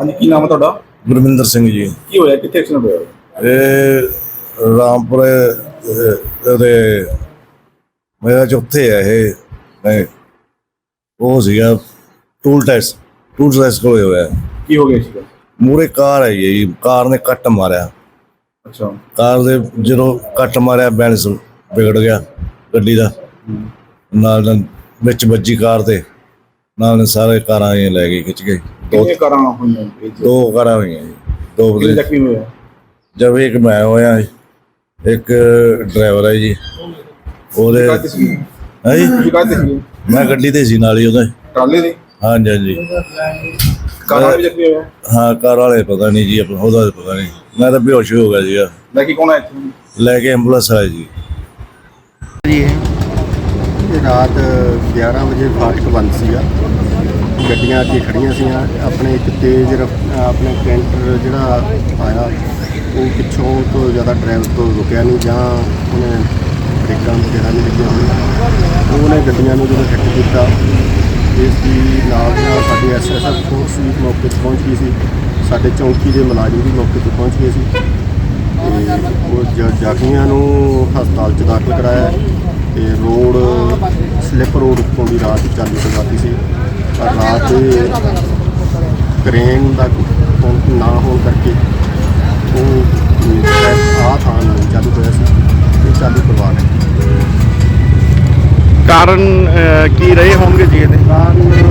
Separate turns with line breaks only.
ਹਾਂਜੀ, ਕੀ ਨਾਮ ਹੈ ਤੁਹਾਡਾ?
ਗੁਰਮਿੰਦਰ ਸਿੰਘ ਜੀ।
ਕੀ ਹੋਇਆ, ਕਿੱਥੇ ਐਕਸੀਡੈਂਟ ਹੋਇਆ?
ਇਹ ਰਾਮਪੁਰੇ ਉਹਦੇ ਮੇਰਾ ਚੌਥੇ ਹੈ ਇਹ ਨਹੀਂ ਉਹ ਸੀਗਾ ਟੂਲ ਟੈਸਟ ਕੋਲ ਹੋਇਆ।
ਕੀ ਹੋ ਗਿਆ ਸੀਗਾ?
ਮੂਹਰੇ ਕਾਰ ਆਈ ਹੈ ਜੀ, ਕਾਰ ਨੇ ਕੱਟ ਮਾਰਿਆ।
ਅੱਛਾ।
ਕਾਰ ਦੇ ਜਦੋਂ ਕੱਟ ਮਾਰਿਆ ਬੈਲੈਂਸ ਵਿਗੜ ਗਿਆ ਗੱਡੀ ਦਾ, ਨਾਲ ਵਿੱਚ ਵੱਜੀ ਕਾਰ ਦੇ ਨਾਲ ਸਾਰੇ ਕਾਰਾਂ ਇਹ ਲੈ ਗਏ ਖਿੱਚ ਕੇ।
ਕਿੰਨੀਆਂ ਕਾਰਾਂ ਹੋਈਆਂ?
ਦੋ ਕਾਰਾਂ ਹੋਈਆਂ ਜੀ। ਦੋ
ਕਿੰਨੇ ਜ਼ਖਮੀ ਹੋਏ?
ਜਦ ਇੱਕ ਮੈਂ ਹੋਇਆ, ਇੱਕ ਡਰਾਈਵਰ ਹੈ ਜੀ ਉਹਦੇ। ਹੈ ਜੀ, ਮੈਂ ਗੱਡੀ ਤੇ ਸੀ ਨਾਲ ਹੀ ਉਹਦੇ
ਟਰਾਲੇ ਦੀ।
ਹਾਂਜੀ ਹਾਂਜੀ।
ਕਾਰਾਂ ਵੀ ਜ਼ਖਮੀ ਹੋਇਆ?
ਹਾਂ, ਕਾਰ ਵਾਲੇ ਪਤਾ ਨਹੀਂ ਜੀ, ਉਹਦਾ ਪਤਾ ਨਹੀਂ। ਮੈਂ ਤਾਂ ਬੇਹੋਸ਼ ਹੋ ਗਿਆ ਸੀਗਾ।
ਲੈ ਕੇ ਕੌਣ ਆਇਆ ਇੱਥੇ?
ਲੈ ਕੇ ਐਂਬੂਲੈਂਸ ਆਈ ਜੀ।
ਇਹ ਰਾਤ 11 ਵਜੇ ਫਾਟਕ ਬੰਦ ਸੀਗਾ, ਗੱਡੀਆਂ ਅੱਗੇ ਖੜੀਆਂ ਸੀਆਂ। ਆਪਣੇ ਇੱਕ ਤੇਜ਼ ਆਪਣੇ ਕੈਂਟਰ ਜਿਹੜਾ ਆਇਆ ਉਹ ਪਿੱਛੋਂ ਤੋਂ ਜ਼ਿਆਦਾ ਡਰਾਈਵਰ ਤੋਂ ਰੁਕਿਆ ਨਹੀਂ, ਜਾਂ ਉਹਨੇ ਬ੍ਰੇਕਾਂ ਵਗੈਰਾ ਨਹੀਂ ਲੱਗੀਆਂ ਹੋਈਆਂ। ਉਹਨੇ ਗੱਡੀਆਂ ਨੂੰ ਜਦੋਂ ਹਿੱਟ ਕੀਤਾ, ਇਸ ਦੀ ਨਾਲ ਸਾਡੀ ਐਸਐਸਐਫ ਫੋਰਸ ਵੀ ਮੌਕੇ 'ਤੇ ਪਹੁੰਚ ਗਈ ਸੀ, ਸਾਡੇ ਚੌਂਕੀ ਦੇ ਮੁਲਾਜ਼ਮ ਵੀ ਮੌਕੇ 'ਤੇ ਪਹੁੰਚ ਗਏ ਸੀ ਅਤੇ ਉਹ ਜ਼ਖਮੀਆਂ ਨੂੰ ਹਸਪਤਾਲ 'ਚ ਦਾਖਲ ਕਰਾਇਆ। ਅਤੇ ਰੋਡ ਸਲਿੱਪ ਰੋਡ ਉੱਤੋਂ ਦੀ ਰਾਤ ਚਾਲੂ ਕਰਵਾਤੀ ਸੀ, ਪਰ ਰਾਤ ਦੇ ਕਰੇਨ ਦਾ ਨਾ ਹੋਣ ਕਰਕੇ ਉਹ ਥਾਂ ਨਹੀਂ ਚਾਲੂ ਹੋਇਆ ਸੀ, ਇਹ ਚਾਲੂ ਕਰਵਾ ਰਹੇ।
ਕਾਰਨ ਕੀ ਰਹੇ ਹੋਣਗੇ ਜੀ ਇਹਦੇ?
ਕਾਰਨ